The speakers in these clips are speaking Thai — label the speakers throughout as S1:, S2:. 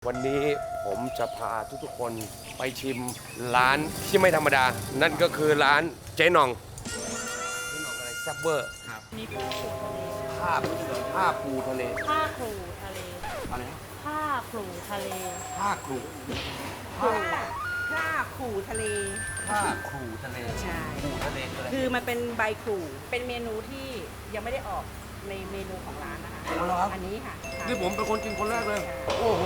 S1: วันนี้ผมจะพาทุกๆคนไปชิมร้านที่ไม่ธรรมดา นั่นก็คือร้านเจ๊หน่องเจ๊หน่องอะไรแซ่บเวอร์ครับ
S2: มีปูทะเล
S1: ผ้าปูทะเล
S2: ผ้าคลูทะเล
S1: อะไรนะ
S2: ผ้าคลูทะเล
S1: ผ้าครู
S3: ผ้าขู่ทะเล
S1: ผ้าครูทะเล
S3: ใช่
S1: ครูทะเลคืออะไร
S3: คือมันเป็นใบขู่เป็นเมนูที่ยังไม่ได้ออกในเมนูของร้านนะคะ
S1: เอาเหรอครับ
S3: อันนี้ค่ะ
S1: นี่ผมเป็นคนกินคนแรกเลย โอ้โห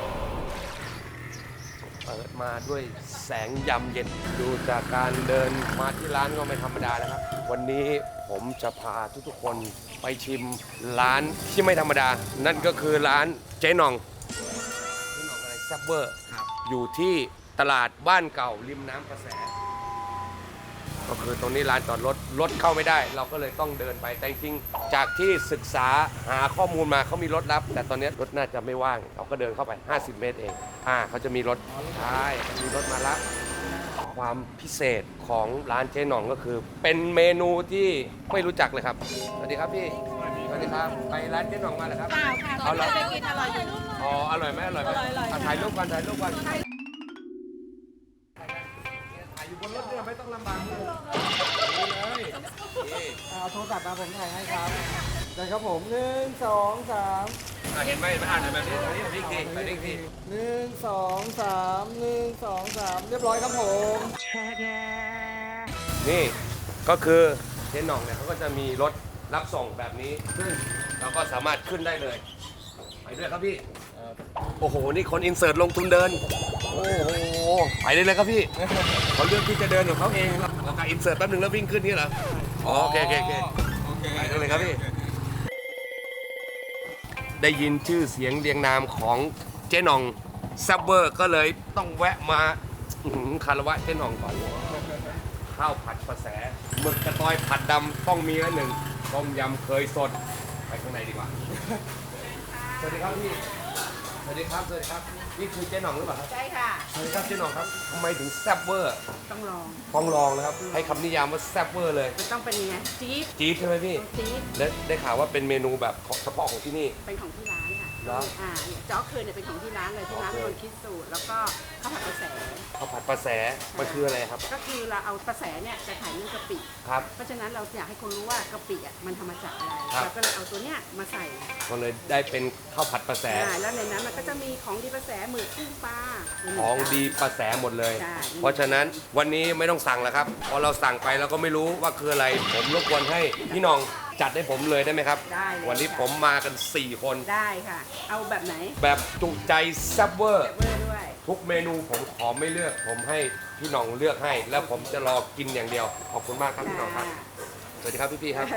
S1: เปิดมาด้วยแสงยำเย็นดูจากการเดินมาที่ร้านก็ไม่ธรรมดาแล้วครับ วันนี้ผมจะพาทุกๆคนไปชิมร้านที่ไม่ธรรมดา นั่นก็คือร้านเจ๊หน่องเจ๊หน่องอะไรแซ่บเวอร์อยู่ที่ตลาดบ้านเก่าริมน้ำกระแส ก็คือตรงนี้ร้านจอดรถเข้าไม่ได้ เราก็เลยต้องเดินไปแต่จริงๆจากที่ศึกษาหาข้อมูลมาเขามีรถรับ แต่ตอนนี้รถน่าจะไม่ว่างเราก็เดินเข้าไป50 เมตรเองเขาจะมีรถใช่มีรถมารับความพิเศษของร้านเจ๊หน่องก็คือ เป็นเมนูที่ไม่รู้จักเลยครับสวัสดีครับพี่สวัสดีครับไปร้านเจ๊หน่องมาเหรอครับ
S3: เปล่าค่ะ
S1: เอาเหรอ
S3: ไปกินอร่อยอยู่
S1: อ๋ออร่อยไหมอร่อยไหม
S3: อร่อยๆ
S1: ถ่ายรูปกันถ่ายอยู่บนรถเนี่ยไม่ต้องลำบากเลย
S4: เอาโทรศัพท์มาผมถ่ายให้ครับได้ครับผม1 2 3
S1: เห็นไหมอ่านแบบนี้อันนี้อีกทีอันนี้อีกที
S4: 1 2 3 1 2 3เรียบร้อยครับผม
S1: นี่ก็คือเจ๊หน่องเนี่ยเขาก็จะมีรถรับส่งแบบนี้ซึ่งเราก็สามารถขึ้นได้เลยไปด้วยครับพี่โอ้โหนี่คนอินเสิร์ตลงทุนเดินโอ้โหไปได้เลยครับพี่เขาเลือกที่จะเดินของเขาเองเราการอินเสิร์ตแป๊บนึงแล้ววิ่งขึ้นนี่เหรออ๋อโอเคไปได้เลยครับพี่ได้ยินชื่อเสียงเรียงนามของเจ๊หน่องแซ่บเวอร์ก็เลยต้องแวะมาคารวะเจ๊หน่องก่อนข้าวผัดประแสหมึกกระตอยผัดดำต้องมีละหนึ่งต้มยำเคยสดไปข้างในดีกว่าสวัสดีครับพี่สวัสดีครับนี่คือเจ๊หน่องหรือเปล่าครับ
S3: ใช่ค่ะ
S1: สวัสดีครับเจ๊หน่องครับทำไมถึงแซ่บเวอร์
S3: ต้องลอง
S1: ต้องลองนะครับให้คำนิยามว่าแซ่บเวอร์เลย
S3: จะต้องเป็นยังไงจี๊ด
S1: จี๊ดใช่ไหมพี่
S3: จี๊ด
S1: และได้ข่าวว่าเป็นเมนูแบบเฉพาะของที่นี่
S3: เป็นของที่ร้านค่ะ
S1: เหรอ
S3: เนี่ยจ๊อกเคยเนี่ยเป็นของที่ร้านเลยที่ร้าน
S1: โอเค
S3: เป็นคนคิดสูตรแล้วก็ข้าวผัดกระแส
S1: ข้าวผัดประแสมันคืออะไรครับ
S3: ก็คือเราเอากระแสเนี่ยจะขายเรื่องกะปิ
S1: ครับ
S3: เพราะฉะนั้นเราอยากให้คนรู้ว่ากะปิอ่ะมันทำมาจากอะไร
S1: ครับ
S3: เราก็เลยเอาตัวเนี้ยมาใส่
S1: ก็เลยได้เป็นข้าวผัดประแส
S3: แล้วในนั้นมันก็จะมีของดีประแสหมึกกุ้งปลา
S1: ของดีประแสหมดเลย
S3: ใช่
S1: เพราะฉะนั้นวันนี้ไม่ต้องสั่งแล้วครับพอเราสั่งไปเราก็ไม่รู้ว่าคืออะไร ผมรบกวนให้พี่หน้องจัดให้ผมเลยได้ไหมครับ
S3: ได้เลย
S1: วันนี้
S3: ค่ะ
S1: ผมมากัน 4 คน
S3: ได้ค่ะ เอาแบบไหน
S1: แบบจุใจแซ่บเวอร์
S3: แบบเวอร์ด้วย
S1: ทุกเมนูผมขอไม่เลือก ผมให้พี่หน้องเลือกให้ แล้วผมจะรอกินอย่างเดียว ขอบคุณมากครับพี่หน้องครับ สวัสดีครับพี่ๆครับ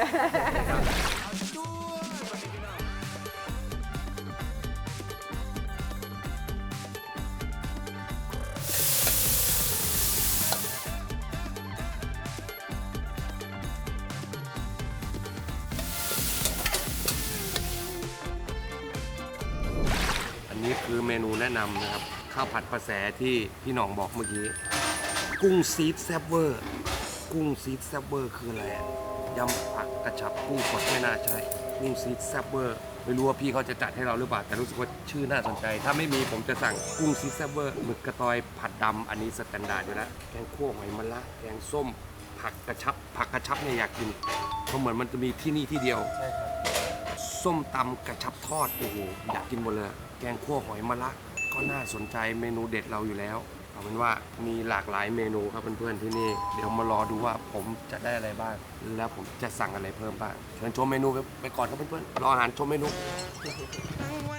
S1: อันนี้คือเมนูแนะนำนะครับ ข้าวผัดประแสที่พี่หน่องบอกเมื่อกี้ กุ้งซีดแซบเวอร์ กุ้งซีดแซบเวอร์คืออะไรอะยำผักกระชับกุ้งสดไม่น่าใช่ กุ้งซีดแซบเวอร์ไม่รู้ว่าพี่เขาจะจัดให้เราหรือเปล่า แต่รู้สึกว่าชื่อน่าสนใจ ถ้าไม่มีผมจะสั่งกุ้งซีดแซบเวอร์หมึกกระตอยผัดดำอันนี้สแตนดาร์ดอยู่แล้ว แกงคั่วหอยมะระแกงส้ม ผักกระชับ ผักกระชับเนี่ยอยากกินเพราะเหมือนมันจะมีที่นี่ที่เดียว ส้มตำกระชับทอดโอ้โหอยากกินหมดเลย แกงคั่วหอยมะระก็น่าสนใจเมนูเด็ดเราอยู่แล้วเอาเป็นว่ามีหลากหลายเมนูครับเพื่อนๆที่นี่เดี๋ยวมารอดูว่าผมจะได้อะไรบ้าง แล้วผมจะสั่งอะไรเพิ่มบ้างเชิญชมเมนูไปก่อนครับเพื่อนๆรออาหารชมเมนูอั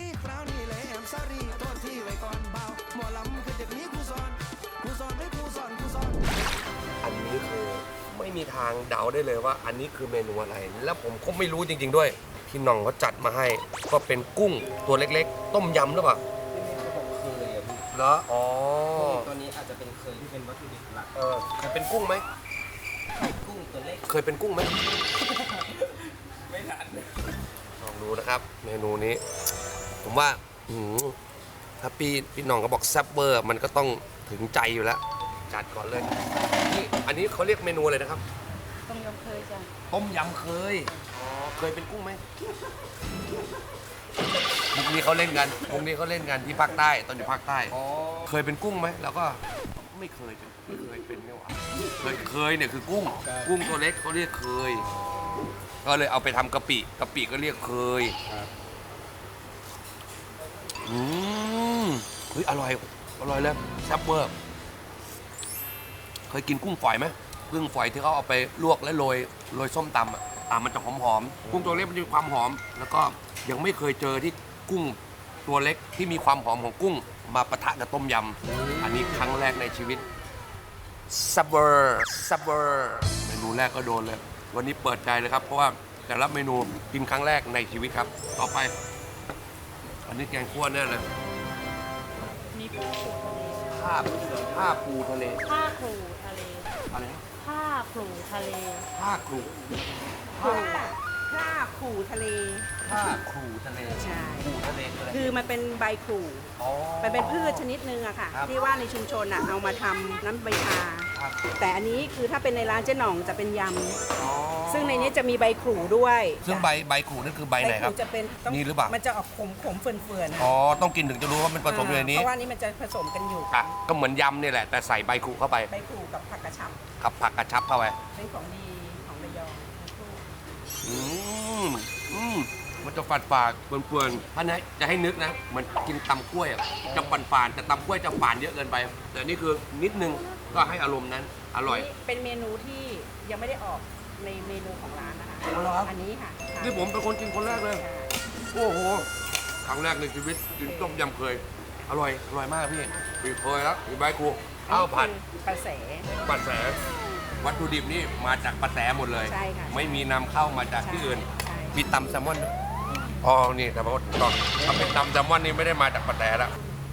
S1: นนี้คือไม่มีทางเดาได้เลยว่าอันนี้คือเมนูอะไร แล้วผมก็ไม่รู้จริงๆด้วยพี่หน่องเขาจัดมาให้ ก็เป็นกุ้งตัวเล็กๆ ต้มยำหรือเปล่า
S4: เขาบอกเคยอะพี่
S1: เหรออ๋อ
S4: ตัวนี้อาจจะเป็นเคยที่เป็นวัตถุดิบหลัก
S1: เคยเป็นกุ้งไหม
S4: กุ้งตัวเล็ก
S1: เคยเป็นกุ้งไหม
S4: ไม่ทัน
S1: ลองดูนะครับ เมนูนี้ ผมว่าถ้าพี่หน่องก็บอกแซ่บเบอร์มันก็ต้องถึงใจอยู่แล้ว จัดก่อนเลยนี่อันนี้เขาเรียกเมนูอะไรนะครับ
S3: ต้มยำเคยจ้ะ
S1: ต้มยำเคยอ๋อเคยเป็นกุ้งไหมมุกนี้เขาเล่นกันมุกนี้เขาเล่นกันที่ภาคใต้ตอนอยู่ภาคใต้เคยเป็นกุ้งไหมแล้วก็ไม่เคยเป็นไม่หวาเคยเนี่ยคือกุ้งตัวเล็กเขาเรียกเคยก็เลยเอาไปทำกะปิก็เรียกเคยเฮ้ยอร่อยเลยแซ่บเวอร์เคยกินกุ้งฝอยไหมกุ้งฝอยที่เขาเอาไปลวกและโรยส้มตำมันจะหอมกุ้งตัวเล็กมันจะมีความหอมแล้วก็ยังไม่เคยเจอที่กุ้งตัวเล็กที่มีความหอมของกุ้งมาปะทะกับต้มยำอันนี้ครั้งแรกในชีวิตซับเวอร์เมนูแรกก็โดนเลยวันนี้เปิดใจเลยครับเพราะว่าแต่ละเมนูกินครั้งแรกในชีวิตครับต่อไปอันนี้แกงคั่วแน่เลย
S2: มีปูทะเล
S1: ผ้าปูทะเล
S2: ผ้าคลูทะเล
S1: อะไรนะ
S2: ผ้าคลูทะเล
S1: ผ้าครู
S3: ถ้าขู่ทะเล
S1: ผ้าครูทะเล
S3: ใช่
S1: ครูทะเลคืออะไร
S3: คือมันเป็นใบขู่
S1: อ๋อ
S3: มันเป็นพืชชนิดนึงอะค่ะ
S1: ครับ
S3: ที่ว่าในชุมชนอะเอามาทำน้ำใบชา
S1: ครับ
S3: แต่อันนี้คือถ้าเป็นในร้านเจ๊หน่องจะเป็นย
S1: อ๋อ
S3: ำซึ่งในนี้จะมีใบขู่ด้วย
S1: ซึ่งใบครูนั่นคือใบไหนครับ
S3: ขู่จะเป็นต้อง
S1: นี่หรือเปล่า
S3: มันจะออกขมเฟื่อนๆ
S1: อ๋อต้องกินถึงจะรู้ว่ามันผสมอยู่ในนี้
S3: เพราะว่านี่มันจะผสมกันอยู่
S1: อ่ะก็เหมือนยำนี่แหละแต่ใส่ใบครูเข้าไป
S3: ใบขู่กับผักกระชับ
S1: กับผักกระชับเข้าไป
S3: เป็นของดีของระยอง
S1: มันจะฝาดเปื่อนๆท่านนะจะให้นึกนะเหมือนกินตำกล้วยอะจะฝาดแต่ตำกล้วยจะฝาดเยอะเกินไป แต่นี่คือนิดนึงก็ให้อารมณ์นั้นอร่อย
S3: นี่เป็นเมนูที่ยังไม่ได้ออกในเมนูของร้านนะคะ
S1: อ๋อเหรอครับ
S3: อันนี้ค่ะ
S1: นี่ผมเป็นคนกินคนแรกเลย โอ้โห ครั้งแรกในชีวิตกินต้มยำเคย อร่อยมากพี่มีเคยแล้วมีใบครูข้าวผัด
S3: ปลาแส
S1: ปลาแสวัตถุดิบนี่มาจากปลาแสหมดเลย
S3: ใช่ค่ะ
S1: ไม่มีนำเข้ามาจากที่อื่น
S3: ใช่
S1: มีตำแซลมอนด้วยอ๋อ นี่แต่ว่าต้องทำเป็นตำแซลมอนนี่ไม่ได้มาจากปลาแสแล้ว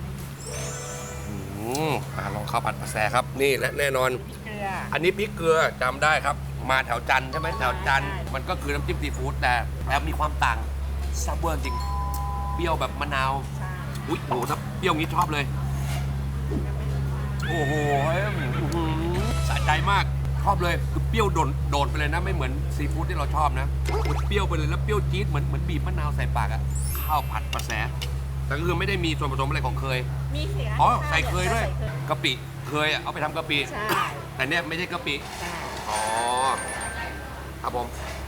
S1: ลองข้าวผัดปลาแสครับ นี่และแน่นอน
S3: เกลือ
S1: อันนี้พริกเกลือจำได้ครับ มาแถวจันทร์ใช่ไหมแถวจันทร์
S3: ใช่
S1: มันก็คือน้ำจิ้มซีฟู้ดแต่มีความต่างซับเวอร์จริง เปรี้ยวแบบมะนาว
S3: ใช่
S1: อุ้ยโอ้โหถ้าเปรี้ยวงี้ชอบเลย โอ้โหสะใจมากชอบเลยคือเปรี้ยวโดดไปเลยนะไม่เหมือนซีฟู้ดที่เราชอบนะเปรี้ยวไปเลยแล้วเปรี้ยวจี๊ดเหมือนบีบมะนาวใส่ปากอะข้าวผัดปลาแสแต่ก็คือไม่ได้มีส่วนผสมอะไรของเคย
S3: มีเขือ
S1: อ๋อใส่เคยด้วย
S3: ใส่เคย
S1: กะปิเคยอะเอาไปทำกะปิ
S3: ใช่
S1: แต่เนี่ยไม่ใช่กะปิ
S3: ใช่
S1: อ๋อครับผม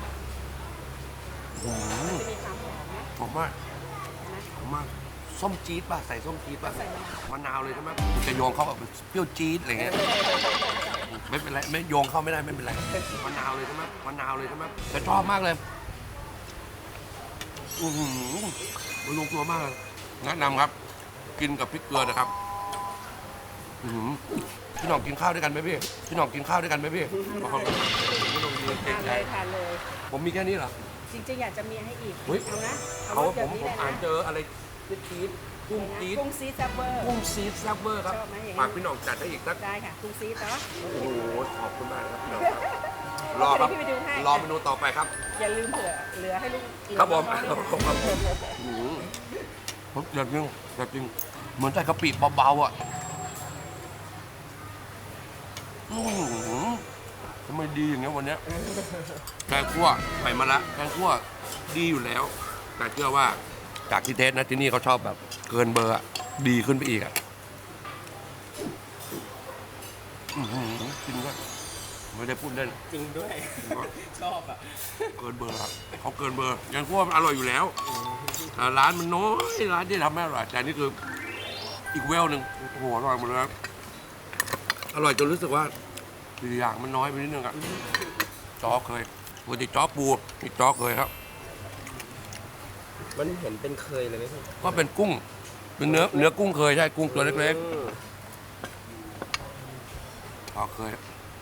S3: จะมีความหอมนะ
S1: หอมมากหอมมากส้มจี๊ดป่ะใส่ส้มจี๊ดป่ะ
S3: ใส่มะนาว
S1: มะนาวเลยใช่ไหมจะโยงเข้าแบบเปรี้ยวจี๊ดอะไรเงี้ยไม่เป็นไรไม่โยงเข้าไม่ได้ไม่เป็นไรมะนาวเลยใช่ไหมมะนาวเลยใช่ไหมแต่ชอบมากเลยมันลงตัวมากเลยแนะนำครับ กินกับพริกเกลือนะครับพี่หน่องกินข้าวด้วยกันไหมพี่พี่หน่องกินข้าวด้วยกันไหมพี่พี่หน่องยืนเก่ง
S3: ทาน
S1: ใจ
S3: เลยทานเลย
S1: ผมมีแค่นี้เหรอ
S3: จริงๆอยากจะมีให้อีก
S1: เฮ้ย
S3: เอานะ
S1: เอา
S3: รส
S1: ผ
S3: แบบ
S1: ม
S3: นี้
S1: ผม
S3: เลย
S1: อ่าน
S3: นะ
S1: เจออะไรจี๊ดกุ้งจี๊ด
S3: กุ้งซีดแซ่บเวอร์
S1: กุ้งซีดแซ่บเวอร์ครับ
S3: ชอบไหมอย่างนี้
S1: ฝากพี่หน่องจัดให้อีกสัก
S3: ได้ค่ะกุ้งซีดเนาะ
S1: โอ้โหขอบคุณมากครับพี่หน่องครับรอครับ
S3: เดี๋ยวพี่ไปดูให้
S1: รอเมนูต่อไปครับ
S3: อย่าลืมเผื่อเหลือให้ลูก
S1: ครับผม
S3: เหลือน้องๆด้วยนะ
S1: ผมเดือดจริงเหมือนใส่กะปิเบาๆอ่ะทำไมดีอย่างเงี้ยวันเนี้ยแกงคั่วไปมาละแกงคั่วดีอยู่แล้ว แต่เชื่อว่าจากที่เทสนะที่นี่เขาชอบแบบ เกินเบอร์อะดีขึ้นไปอีกอ่ะจริงด้วยไม่ได้พูดเล่น
S4: จริงด้วย ชอบอ่ะ
S1: เกินเบอร์ครับเขาเกินเบอร์ยังคั่วมันอร่อยอยู่แล้วแต่ร้านมันน้อยร้านที่ทำไม่อร่อยแต่นี่คืออีกเวลหนึ่งโอ้โหอร่อยหมดเลยครับอร่อยจนรู้สึกว่าทีอย่างมันน้อยไปนิดนึงอะจ้อเคยปกติจ้อปูนี่จ้อเคยครับ
S4: มันเห็นเป็นเคยเลยไหมพี่
S1: ก็เป็นกุ้งเป็นเนื้อกุ้งเคยใช่กุ้งตัวเล็กๆจ้อเคย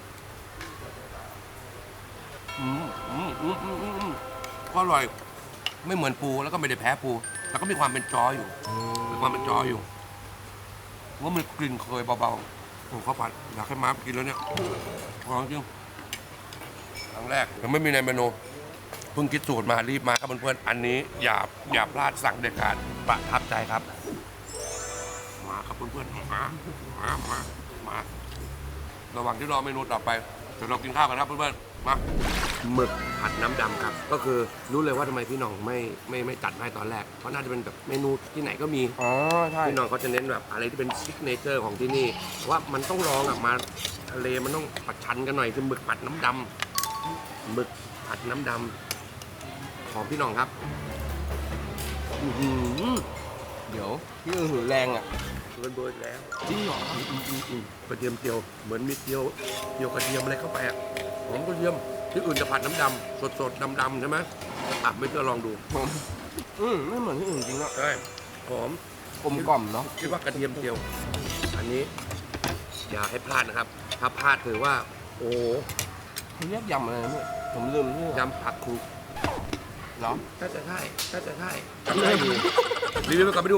S1: ก็อร่อยไม่เหมือนปูแล้วก็ไม่ได้แพ้ปูแล้วก็มีความเป็นจ้ออยู่มีความเป็นจ้ออยู่ว่ามันกลิ่นเคยเบาๆผมข้าวผัดอยากให้มากินแล้วเนี่ยลองจริงครั้งแรกยังไม่มีในเมนูเพิ่งคิดสูตรมารีบมาครับเพื่อนๆอันนี้อย่าพลาดสั่งเด็ดขาดประทับใจครับมาครับเพื่อนๆมาระหว่างที่รอเมนูต่อไปเดี๋ยวเรากินข้าวกันครับเพื่อนๆมาหมึกผัดน้ำดำครับ ก็คือรู้เลยว่าทำไมพี่หน้องไม่จัดให้ตอนแรก เพราะน่าจะเป็นแบบเมนูที่ไหนก็มี
S4: อ๋อใช่
S1: พี่หน้องเขาจะเน้นแบบอะไรที่เป็นซิกเนเจอร์ของที่นี่ว่ามันต้องลองอ่ะมาทะเลมันต้องประชันกันหน่อยคือหมึกผัดน้ำดำหมึกผัดน้ำดำของพี่หน้องครับอื้อหือ
S4: เดี๋ยวพี่หือแรงอ่ะ
S1: เกินเบอร์แล้ว
S4: จริงเหรอ
S1: กระเทียมเจียวเหมือนมีเจียวกระเทียมอะไรเข้าไปอ่ะหอมกระเทียมที่อื่นจะผัดน้ำดำสดๆดำๆใช่ไหมอ่ะไม่เชื่อลองดู
S4: ไม่เหมือนที่อื่นจริงอ่ะ
S1: ใช่หอม
S4: กลมกล่อมเนาะ
S1: คิดว่ากระเทียมเจียว อันนี้อย่าให้พลาดนะครับ ถ้าพลาดถือว่า โอ้โห
S4: เขาเรียกยำอะไรนะพี่ผมลืมชื่อย
S1: ำผักครุ
S4: เนาะ
S1: ถ้าจะใช่จำได้ดูรีวิวไปกลับไปดู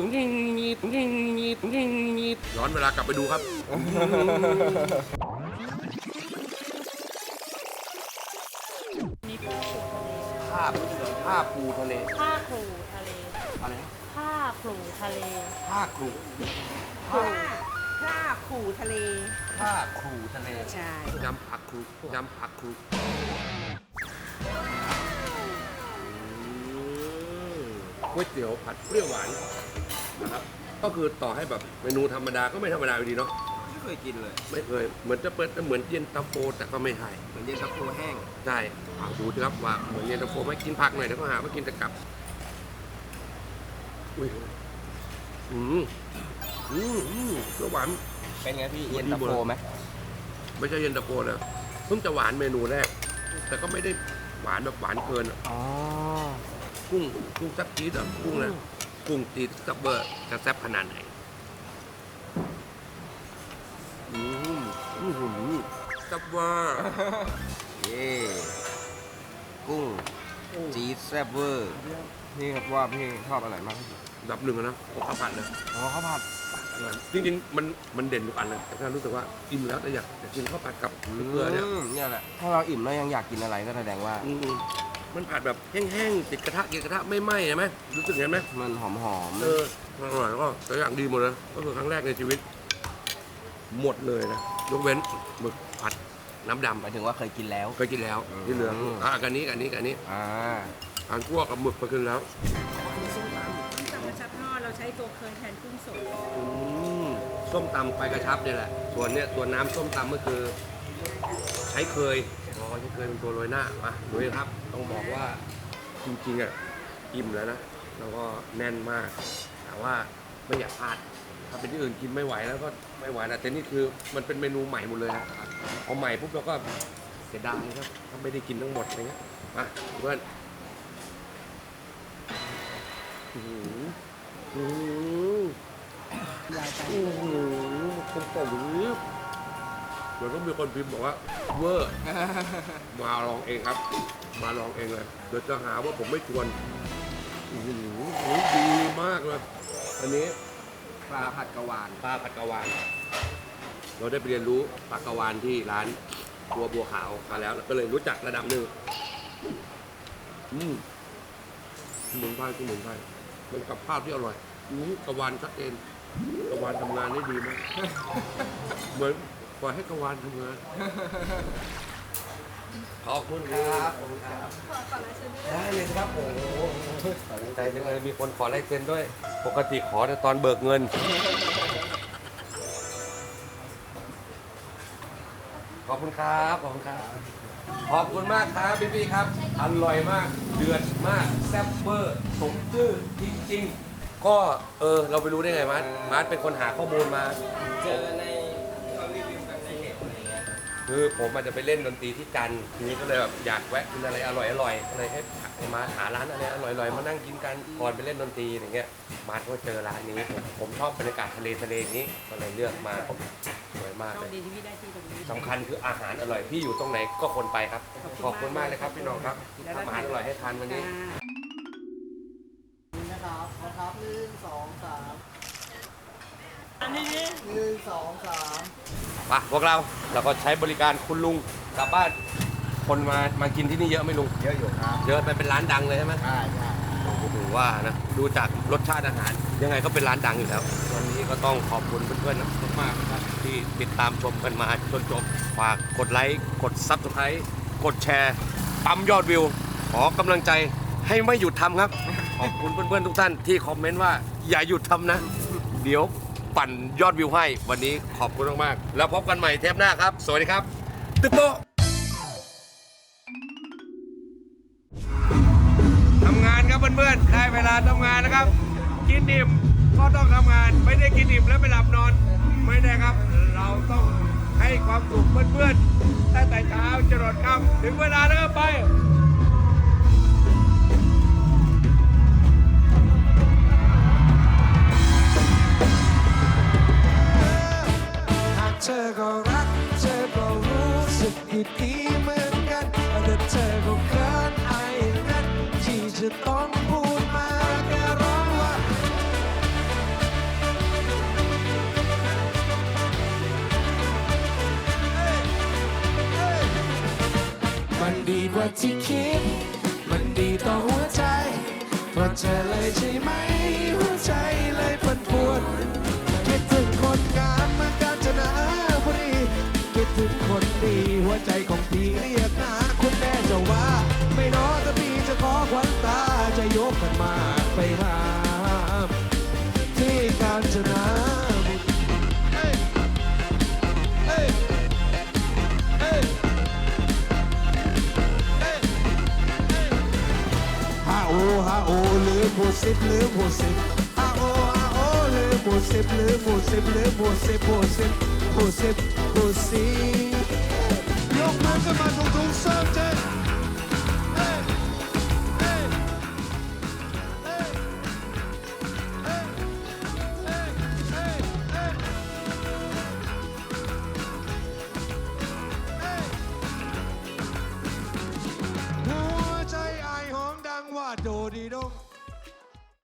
S1: ย้อนเวลากลับไปดูครับ
S2: นี่กุ้งผูทะเล
S1: ผ้าปูทะเล
S2: ผ้าครูทะเล
S1: อะไรนะ
S2: ผ้าครูทะเล
S1: ผ้าครู
S3: ถ้าขู่ทะเล
S1: ผ้าครูทะเล
S3: ใช่
S1: ยำผักครูยำผักครูก๋วยเตี๋ยวผัดเปรี้ยวหวานนะครับ ก็คือต่อให้แบบเมนูธรรมดาก็ไม่ธรรมดาอยู่ดีเนาะ
S4: ไม่เคยกินเลย
S1: ไม่เคย เหมือนจะเปิดเหมือนเย็นตาโฟแต่ก็ไม่ใช่
S4: เหมือนเย็นตาโฟแห้ง
S1: ใช่เอาดูสิครับว่าเหมือนเย็นตาโฟไหม่กินผักหน่อยเดี๋ยวก็หาว่ากินแต่กลับ อุ้ยเปรี้ยวหวาน
S4: เป็นไงพี่เย็นตาโฟไหม
S1: ไม่ใช่เย็นตาโฟนะเพิ่งจะหวานเมนูแรก แต่ก็ไม่ได้หวานแบบหวานเกินอะ
S4: อ๋อ
S1: กุ้งซับจี๊ดอะกุ้งนะกุ้งตีซับเบอร์จะแซ่บขนาดไหนซับเวอร์
S4: เย่กุ้งจี๊ดแซ่บเวอร์พี่ครับว่าพี่ชอบอะไรมากที่สุด
S1: ดับหนึ่งอะนะข้าวผัดเลย
S4: อ๋อข้าวผัด
S1: จริงๆมันเด่นทุกอันเลยแต่ถ้ารู้สึกว่าอิ่มแล้วแต่อยากกินข้าวผัดกับเกลือเนี่ย
S4: เนี่ยแหละถ้าเราอิ่มแล้วยังอยากกินอะไรก็แสดงว่า
S1: มันผัดแบบแห้งๆติดกระทะไม่ไหม้ใช่ไหมรู้สึกเห็นไหม
S4: มันหอม
S1: อร่อยแล้วก็ตัวอย่างดีหมดเลยก็คือครั้งแรกในชีวิต หมดเลยนะยกเว้นหมึกผัดน้ำดำ
S4: หมายถึงว่าเคยกินแล้ว
S1: เคยกินแล้วที่เหลืองกันนี้
S4: อ่า
S1: อันคั่วกับหมึกไปกินแล้ว
S3: ส้มตำกระชับทอดเราใช้ตัวเคยแทนกุ้งสด
S1: ส้มตำไปกระชับเนี่ยแหละส่วนเนี่ยตัวน้ำส้มตำก็คือ ใช้เคยใช้เคยเป็นตัวโรยหน้ามาดูครับ ต้องบอกว่าจริงๆอ่ะอิ่มแล้วนะแล้วก็แน่นมากแต่ว่าไม่อยากพลาดถ้าเป็นที่อื่นกินไม่ไหวแล้วก็ไม่ไหวนะแต่นี่คือมันเป็นเมนูใหม่หมดเลยนะพอใหม่ปุ๊บเราก็เสียดายครับถ้าไม่ได้กินทั้งหมดอะไรเงี้ยมาเพื่อนผมบอกเดี๋ยวต้องมีคนพิมพ์บอกว่าเวอร์มาลองเองครับ มาลองเองเลยเดี๋ยวจะหาว่าผมไม่ชวนดีมากเลยอันนี้
S4: ปลาผัดกะวาน
S1: ปลาผัดกะวาน เราได้ไปเรียนรู้ปลากะวานที่ร้านบัวขาวมาแล้วก็เลยรู้จักระดับหนึ่งสมุนไพรมันกับภาพที่อร่อยกะวานชัดเจนกะวานทำงานได้ดีมากเหมือนปล่อยให้กะวานทำงานขอบคุณครับได้เลยครับโอ้โหใจจังเลยมีคนขอลายเซ็นด้วยปกติขอแต่ตอนเบิกเงิน ขอบคุณครับ ขอบคุณครับ ขอบคุณมากครับพี่ๆครับ อร่อยมาก เดือดมาก แซ่บเบอร์สมชื่อจริงๆ ก็เราไปรู้ได้ไงมาร์ทเป็นคนหาข้อมูลมา
S4: เจอในที่เขารีวิวกันในเน็ตอะไรเงี้ย
S1: คือผมอาจจะไปเล่นดนตรีที่จันทร์ทีนี้ก็เลยแบบอยากแวะกินอะไรอร่อยๆก็เลยให้มาหาร้านอะไรอร่อยๆมานั่งกินกันก่อนไปเล่นดนตรีอย่างเงี้ยมาร์ทก็เจอร้านนี้ผมชอบบรรยากาศทะเลอย่างนี้ก็เลยเลือกมาสวยมาก
S3: โช
S1: เล
S3: ค
S1: ย
S3: ดีที่พี่ได้ที่ตรงนี้
S1: สำคัญคืออาหารอร่อยที่อยู่ตรงไหนก็คนไปครับ ขอบคุณมากเลยครับพี่น้องครับที่ทำอาหารอร่อยให้ทานวันนี้
S4: นะครับ1 2 3
S2: อันนี้
S4: 1 2 3
S1: พวกเราก็ใช้บริการคุณลุงกลับบ้านคนมากินที่นี่เยอะไหมลุง
S4: เยอะอยู่ครับ
S1: เยอะไปเป็นร้านดังเลยใช่ไหม
S4: ใช่
S1: ผมว่านะดูจากรสชาติอาหาร ยังไงก็เป็นร้านดังอยู่แล้ววันนี้ก็ต้องขอบคุณเพื่อนๆมากๆนะครับที่ติดตามชมกันมาจนจบฝากกดไลค์กด Subscribe กดแชร์ปั๊มยอดวิว ขอกำลังใจให้ไม่หยุดทำครับ ขอบคุณเพื่อนๆทุกท่านที่คอมเมนต์ว่าอย่าหยุดทำนะ เดี๋ยวปั่นยอดวิวให้วันนี้ขอบคุณมากๆแล้วพบกันใหม่เทปหน้าครับ สวัสดีครับตึ๊บโตทำงานครับเพื่อนๆได้เวลาทำงานนะครับ กินอิ่มก็ต้องทำงานไม่ได้กินอิ่มแล้วไปหลับนอนไม่ได้ครับ เราต้องให้ความสุขเพื่อนๆตั้งแต่เช้าจรดค่ำถึงเวลาแล้วก็ไป
S5: หากเธอก็รักเธอก็รู้สึกดีๆเหมือนกันแต่เธอก็เกินไอ้นั่นที่จะต้องพูดมาแค่ร้องว่ามันดีกว่าที่คิดมันดีต่อหัวใจเพราะเธอเลยใช่ไหมหัวใจเลยปั่นป่วนคิดถึงคนงามเหมือนกันจะนะพอดีคิดถึงคนดีหัวใจของพี่เรียกหาคุณแม่จะว่าไม่น้อถ้าพี่จะขอขวัญตาจะยกกันมาไปหาที่กาญจนบุรีเฮ้ยเฮ้ยเฮ้ยฮาโอฮาโอลืมหมดสิบลืมหมดสิบฮาโอฮาโอลืมหมดสิบลืมหมดสิบลืมหมดสิบหมดสิบหมดสิบหมดสิบยกมือขึ้นมาทุกๆเสิร์ฟเจ